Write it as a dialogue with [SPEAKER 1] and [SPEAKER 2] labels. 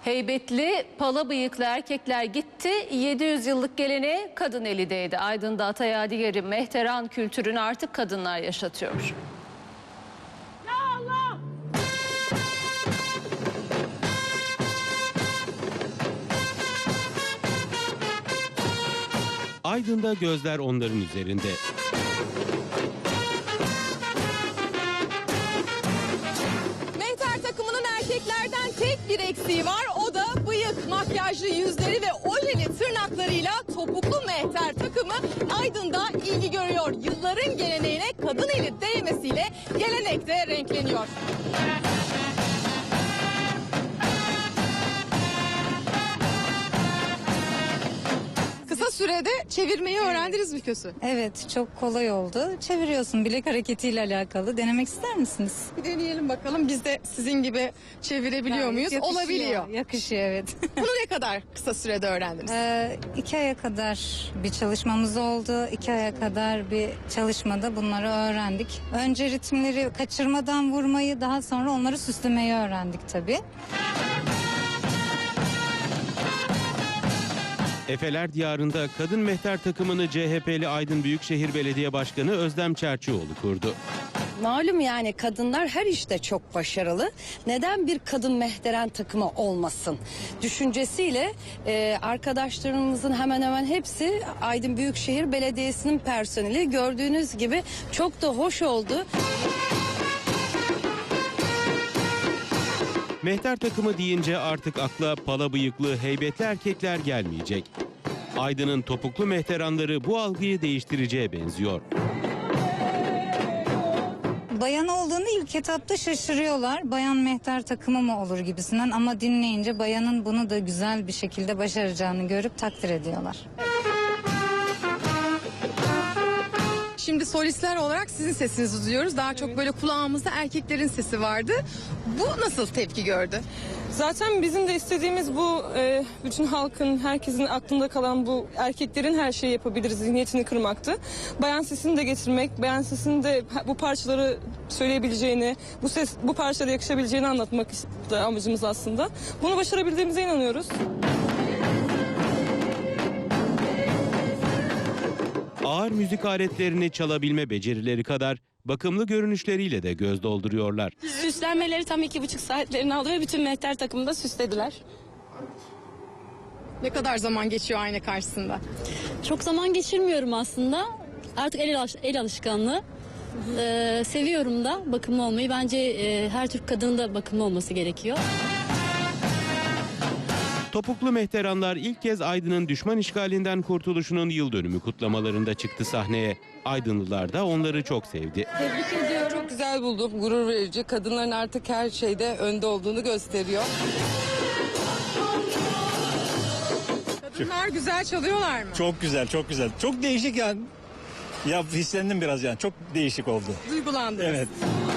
[SPEAKER 1] Heybetli pala bıyıklı erkekler gitti, 700 yıllık geleneğe kadın eli değdi. Aydın'da Atayadiyeri mehteran kültürünü artık kadınlar yaşatıyor.
[SPEAKER 2] Aydın'da gözler onların üzerinde.
[SPEAKER 3] Mehter takımının erkeklerden tek bir eksiği var. O da bıyık, makyajlı yüzleri ve ojeli tırnaklarıyla topuklu mehter takımı Aydın'da ilgi görüyor. Yılların geleneğine kadın eli değmesiyle gelenek de renkleniyor. Kısa sürede çevirmeyi öğrendiniz mi Kösü?
[SPEAKER 4] Evet, çok kolay oldu. Çeviriyorsun, bilek hareketiyle alakalı. Denemek ister misiniz?
[SPEAKER 3] Bir deneyelim bakalım, biz de sizin gibi çevirebiliyor muyuz?
[SPEAKER 4] Yakışıyor,
[SPEAKER 3] Olabiliyor.
[SPEAKER 4] Yakışıyor, evet.
[SPEAKER 3] Bunu ne kadar kısa sürede öğrendiniz?
[SPEAKER 4] 2 aya kadar bir çalışmamız oldu. 2 aya kadar bir çalışmada bunları öğrendik. Önce ritimleri kaçırmadan vurmayı, daha sonra onları süslemeyi öğrendik tabii.
[SPEAKER 2] Efeler Diyarı'nda kadın mehter takımını CHP'li Aydın Büyükşehir Belediye Başkanı Özlem Çerçioğlu kurdu.
[SPEAKER 5] Malum yani kadınlar her işte çok başarılı. Neden bir kadın mehteren takımı olmasın? Düşüncesiyle arkadaşlarımızın hemen hemen hepsi Aydın Büyükşehir Belediyesi'nin personeli. Gördüğünüz gibi çok da hoş oldu.
[SPEAKER 2] Mehter takımı deyince artık akla pala bıyıklı heybetli erkekler gelmeyecek. Aydın'ın topuklu mehteranları bu algıyı değiştireceğe benziyor.
[SPEAKER 4] Bayan olduğunu ilk etapta şaşırıyorlar. Bayan mehter takımı mı olur gibisinden, ama dinleyince bayanın bunu da güzel bir şekilde başaracağını görüp takdir ediyorlar.
[SPEAKER 3] Şimdi solistler olarak sizin sesinizi duyuyoruz. Daha çok böyle kulağımızda erkeklerin sesi vardı. Bu nasıl tepki gördü?
[SPEAKER 6] Zaten bizim de istediğimiz bu, bütün halkın, herkesin aklında kalan bu erkeklerin her şeyi yapabiliriz zihniyetini kırmaktı. Bayan sesini de getirmek, bayan sesini de bu parçaları söyleyebileceğini, bu parçalara yakışabileceğini anlatmak da amacımız aslında. Bunu başarabildiğimize inanıyoruz.
[SPEAKER 2] Ağır müzik aletlerini çalabilme becerileri kadar bakımlı görünüşleriyle de göz dolduruyorlar.
[SPEAKER 7] Süslenmeleri tam 2,5 saatlerini aldı ve bütün mehter takımını da süslediler.
[SPEAKER 3] Ne kadar zaman geçiyor ayna karşısında?
[SPEAKER 7] Çok zaman geçirmiyorum aslında. Artık el alışkanlığı. Seviyorum da bakımlı olmayı. Bence her Türk kadının da bakımlı olması gerekiyor.
[SPEAKER 2] Topuklu mehteranlar ilk kez Aydın'ın düşman işgalinden kurtuluşunun yıl dönümü kutlamalarında çıktı sahneye. Aydınlılar da onları çok sevdi.
[SPEAKER 8] Tebrik ediyorum. Çok güzel buldum. Gurur verici. Kadınların artık her şeyde önde olduğunu gösteriyor.
[SPEAKER 3] Kadınlar güzel çalıyorlar mı?
[SPEAKER 9] Çok güzel, çok güzel. Çok değişik yani. Ya hislendim biraz yani. Çok değişik oldu.
[SPEAKER 3] Duygulandınız.
[SPEAKER 9] Evet.